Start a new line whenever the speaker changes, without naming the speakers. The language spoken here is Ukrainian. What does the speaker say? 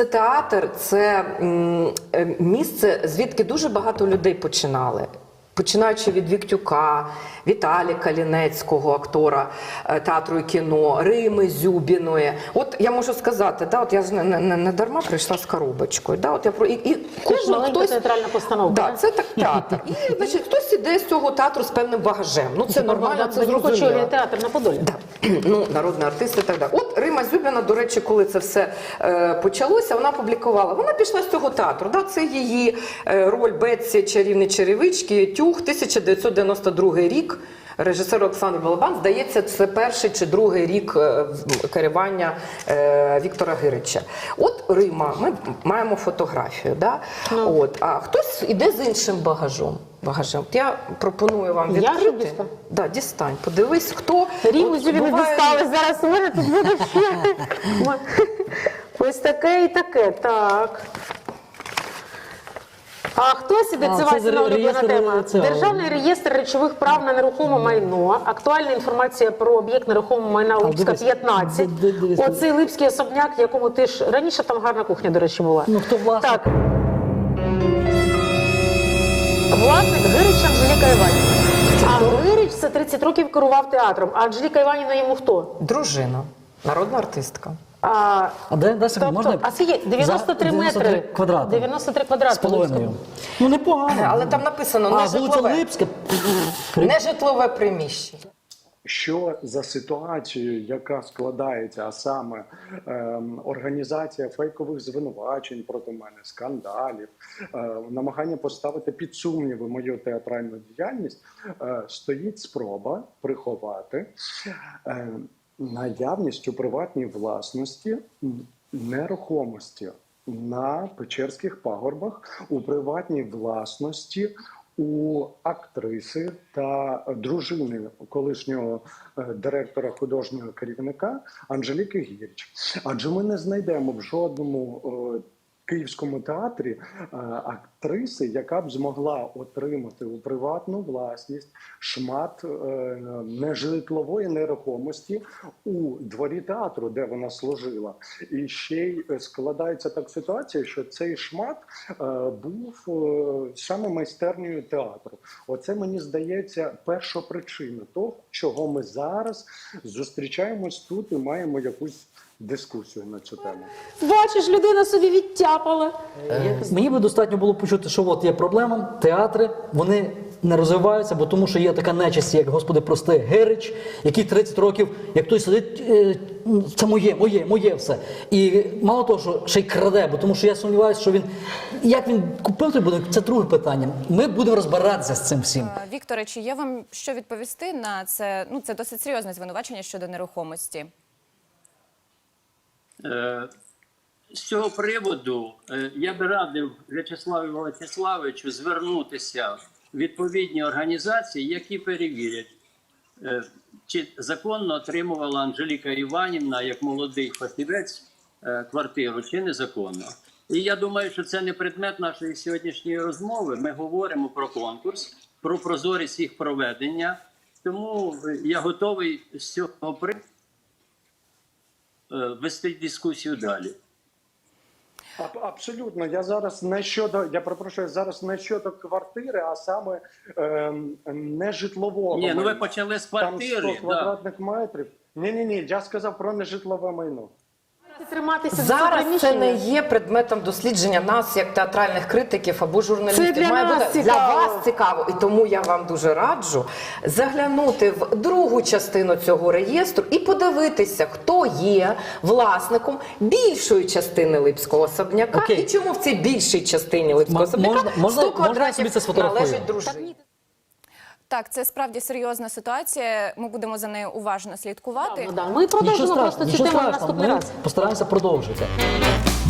Це театр, це місце, звідки дуже багато людей починали. Починаючи від Віктюка, Віталіка Лінецького, актора театру і кіно, Рими Зюбіної. От я можу сказати, да, от я ж не дарма прийшла з коробочкою. Да, от я і
кожен хтось театральна постановка.
Да, це так театр. І значить, хтось іде з цього театру з певним багажем. Ну це нормально, це зрозуміло.
Театр на Подолі.
Да. Ну, народний артист і так далі. От Рима Зюбіна, до речі, коли це все почалося, вона публікувала. Вона пішла з цього театру. Да, це її роль Бетсі чарівні черевички, Тюх, 1992 рік. Режисер Олександр Балабан, здається, це перший чи другий рік керування Віктора Гирича. От Рима, ми маємо фотографію, да? От, а хтось іде з іншим багажем. От я пропоную вам відкрити. Да, дістань, подивись, хто.
Риму Зюбіну дістали, зараз у мене тут буде ще. Ось таке і таке, так. А хтось іде, це Вася улюблена тема. Державний реєстр речових прав на нерухоме майно. Актуальна інформація про об'єкт нерухомого майна Липська 15. Оцей Липський особняк, якому ти ж... Раніше там гарна кухня, до речі, була.
Ну, хто власник?
Так. Власник Гирич Анжеліка Іванівна. А Гирич це 30 років керував театром. А Анжеліка Іванівна йому хто?
Дружина, народна артистка.
А де можна?
А це є 93 метри.
Квадрати.
93 квадрати.
З половиною. Ну, непогано.
Але там написано не житлове приміщення.
Що за ситуацію, яка складається, а саме організація фейкових звинувачень проти мене, скандалів, намагання поставити під сумніви мою театральну діяльність, стоїть спроба приховати наявність у приватній власності нерухомості на Печерських пагорбах, у приватній власності у актриси та дружини колишнього директора художнього керівника Анжеліки Гірич. Адже ми не знайдемо в жодному Київському театрі актриси, яка б змогла отримати у приватну власність шмат нежитлової нерухомості у дворі театру, де вона служила. І ще й складається так ситуація, що цей шмат був саме майстернею театру. Оце, мені здається, перша причина того, чого ми зараз зустрічаємось тут і маємо якусь дискусію на цю тему.
Бачиш, людина собі відтяпала.
Мені би достатньо було почути, що от є проблема, театри, вони не розвиваються, бо тому що є така нечисть, як, Господи, прости, Гирич, який 30 років, як той сидить, це моє все. І мало того, що ще й краде, бо тому що я сумніваюся, що він, як він купив той будинок, це друге питання. Ми будемо розбиратися з цим всім.
Вікторе, чи є вам що відповісти на це, ну це досить серйозне звинувачення щодо нерухомості?
З цього приводу я би радив В'ячеславу Вячеславовичу звернутися в відповідні організації, які перевірять, чи законно отримувала Анжеліка Іванівна, як молодий фахівець, квартиру, чи незаконно. І я думаю, що це не предмет нашої сьогоднішньої розмови. Ми говоримо про конкурс, про прозорість їх проведення. Тому я готовий з цього приводу вести дискусію далі.
Абсолютно. Я зараз не щодо, я перепрошую, зараз не щодо квартири, а саме нежитлового.
Ні, ну ви почали з квартири.
Там 100 квадратних метрів. Ні, я сказав про нежитлове майно.
Зараз це не є предметом дослідження нас, як театральних критиків або журналістів.
Це для нас цікаво.
Для вас цікаво. І тому я вам дуже раджу заглянути в другу частину цього реєстру і подивитися, хто є власником більшої частини Липського особняка. І чому в цій більшій частині Липського особняка 100 квадратів належить дружині.
Так, це справді серйозна ситуація. Ми будемо за нею уважно слідкувати.
Ми продовжимо просто цю тему наступний раз.
Постараємося продовжити.